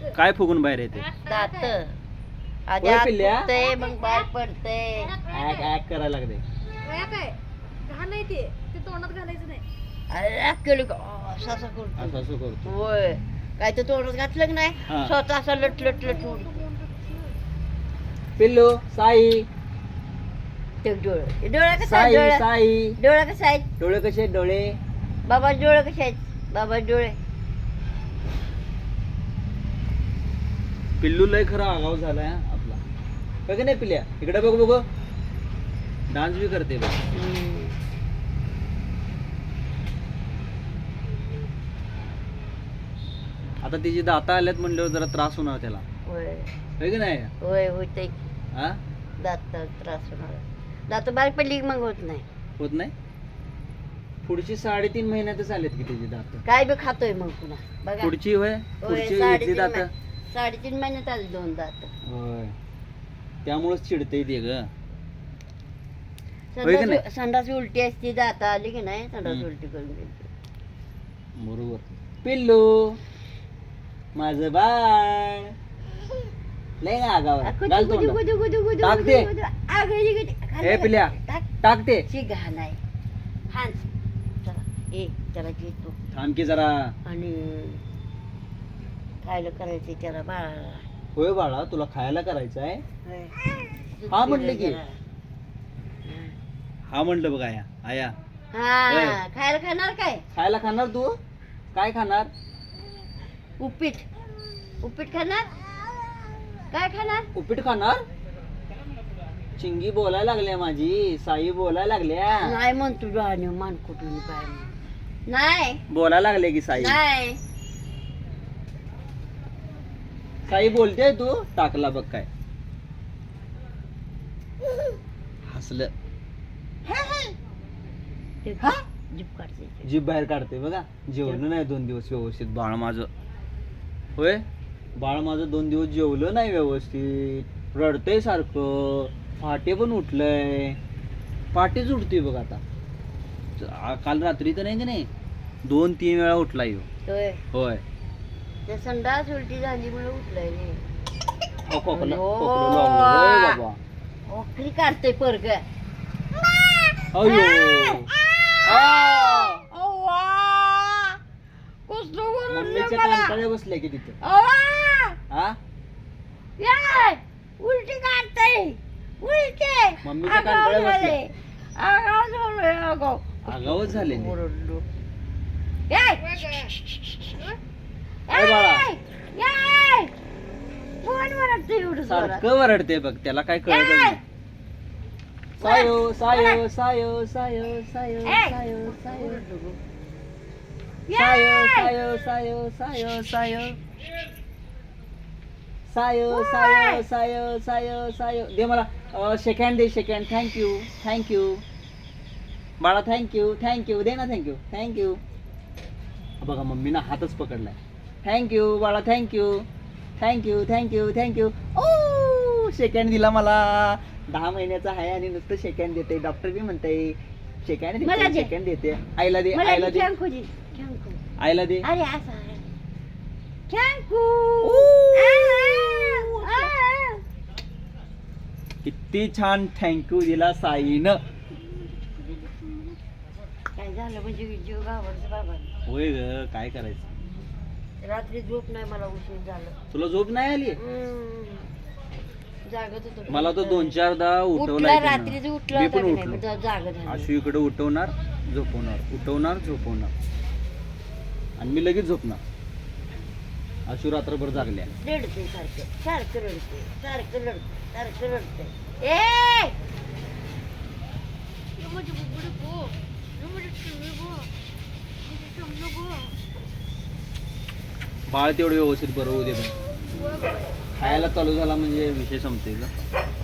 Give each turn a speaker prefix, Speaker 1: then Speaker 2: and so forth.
Speaker 1: काय फुगून बाहेर येते?
Speaker 2: दात आधी
Speaker 1: होय
Speaker 2: आत
Speaker 1: पिल्ल्या?
Speaker 2: फुगतंय, मग बाहेर पडतंय.
Speaker 1: ऍक ऍक करायला लागते.
Speaker 3: काय घाण नाही ते तोंडात घालायचं नाही.
Speaker 2: अरे केलं का असं असं करतो.
Speaker 1: असं असं करतो.
Speaker 2: होय काय तर तोंडात घातलं की नाही
Speaker 1: हा.
Speaker 2: स्वतः असं लट लट लट उडतो.
Speaker 1: पिल्लू साई
Speaker 2: ते डोळे डोळा कसा
Speaker 1: साई
Speaker 2: आहे डोळा
Speaker 1: साई
Speaker 2: डोळा कसा आहे
Speaker 1: डोळे कसे आहेत डोळे?
Speaker 2: बाबा डोळे कसे आहेत बाबा डोळे
Speaker 1: पिल्लू लय खरा आगाव झालाय हा आपला. बघ नाही पिल्या इकडे बघ बघ डान्स बी करते बघ. आता तिची दाता आल्यात म्हणल्यावर जरा त्रास होणार त्याला,
Speaker 2: होय
Speaker 1: होय की नाही?
Speaker 2: होय होते
Speaker 1: हा
Speaker 2: दात त्रास होणार दात बारीक पडली की मग होत नाही
Speaker 1: होत नाही. पुढची 3.5 महिन्यातच आलेत की त्याची दात.
Speaker 2: काय बी खातोय मग पुन्हा बघा
Speaker 1: पुढची होय
Speaker 2: होय,
Speaker 1: पुढची इथली
Speaker 2: 3.5
Speaker 1: दात.
Speaker 2: 3.5 महिन्यात आली 2 दात
Speaker 1: होय त्यामुळेच चिडते ते ग. होय की नाही?
Speaker 2: संडास उलटी असती दात आली की नाही संडास
Speaker 1: हम्म.
Speaker 2: उलटी करून गेली
Speaker 1: बरोबर. पिल्लू माझं बाळ लय ना आगाव आहे. घाल तोंडात. टाक ते. ए पिल्या टाक ते.
Speaker 2: घाण आहे हान चला ए त्याला घे तू
Speaker 1: थांब की जरा.
Speaker 2: आणि खायला करायचे त्याला बाळाला
Speaker 1: होय बाळा तुला खायला करायचं आहे.
Speaker 2: होय.
Speaker 1: हा म्हटलं की.
Speaker 2: जरा.
Speaker 1: हा म्हटलं बघ आया आया
Speaker 2: हा
Speaker 1: होय.
Speaker 2: खायला खाणार काय
Speaker 1: खायला खाणार तू? काय खाणार?
Speaker 2: उपीट उपीट खाणार काय खाणार
Speaker 1: उपीट खाणार? चिंगी बोलायला लागल्या माझी साई बोलायला लागल्या.
Speaker 2: नाही म्हणतो डोळ्याने मान कुठून काय नाही
Speaker 1: बोलायला लागले की साई.
Speaker 2: नाही
Speaker 1: साई बोलते तू? टाकला बघ काय हसलं.
Speaker 2: ते जीभ काढते
Speaker 1: जीभ बाहेर काढते बघा. जेवलं नाही 2 दिवस व्यवस्थित बाळ माझं. होय बाळ माझं 2 दिवस जेवलं नाही व्यवस्थित. रडतंय सारखं. पहाटे पण उठलंय. पहाटेच उठतोय बघ आता. काल रात्री तर नाही की नाही 2-3 वेळा उठला येऊ.
Speaker 2: होय
Speaker 1: होय
Speaker 2: ते संडास उलटी झाली म्हणून उठलाय रे
Speaker 1: खोकला
Speaker 2: अयो.
Speaker 1: खोकलं लागलं. होय बाबा.
Speaker 2: ओखरी काढतोय पोरग
Speaker 1: अयो मम्मीच्या कांटाळ्या बसल्या की तिथे. हा
Speaker 2: उलटी काढतय उलटे
Speaker 1: मम्मीच्या कांटाळ्या बसल्या. आगावच झाले नाही.
Speaker 2: ओरडलो
Speaker 1: अरे बाळा
Speaker 2: फोन वरडतोय एवढं जोरात.
Speaker 1: सारखं वरडते बघ त्याला काय कळत नाही. सायो सायो सायो सायो सायो सायो सायो सायो सायो सायो सायो सायो सायो सायो सायो सायो दे मला सेकंड दे सेकंड. थँक्यू बाळा थँक्यू दे ना थँक्यू. बघा मम्मीनं हातच पकडलाय. थँक्यू बाळा थँक्यू. ओ सेकंड दिला मला. 10 महिन्याचा आहे आणि नुसतं सेकंड देते. डॉक्टर बी म्हणते सेकंड देते. आईला दे आईला दे आईला दे.
Speaker 2: अरे असं थँक्यू
Speaker 1: किती छान थँक्यू दिला साईनं.
Speaker 2: काय झालं म्हणजे जीव घाबरतो बाबा.
Speaker 1: होय ग काय करायचं.
Speaker 2: रात्री झोप नाही मला उशीर झालं.
Speaker 1: तुला झोप नाही आली?
Speaker 2: जागत होतो
Speaker 1: मला तो 2-4दा
Speaker 2: उठला
Speaker 1: उठवलाय
Speaker 2: रात्रीच उठला
Speaker 1: मी
Speaker 2: होता
Speaker 1: पण
Speaker 2: की नाही,
Speaker 1: उठलो.
Speaker 2: मग जागत झालं.
Speaker 1: आशू इकडे उठवणार झोपवणार आणि मी लगेच झोपणार. आशू रात्रभर जागल्या.
Speaker 2: रडते सारखं रडते ए
Speaker 1: बाळ तेवढं व्यवस्थित बरं होऊ दे. खायला चालू झाला म्हणजे विषय संपते का.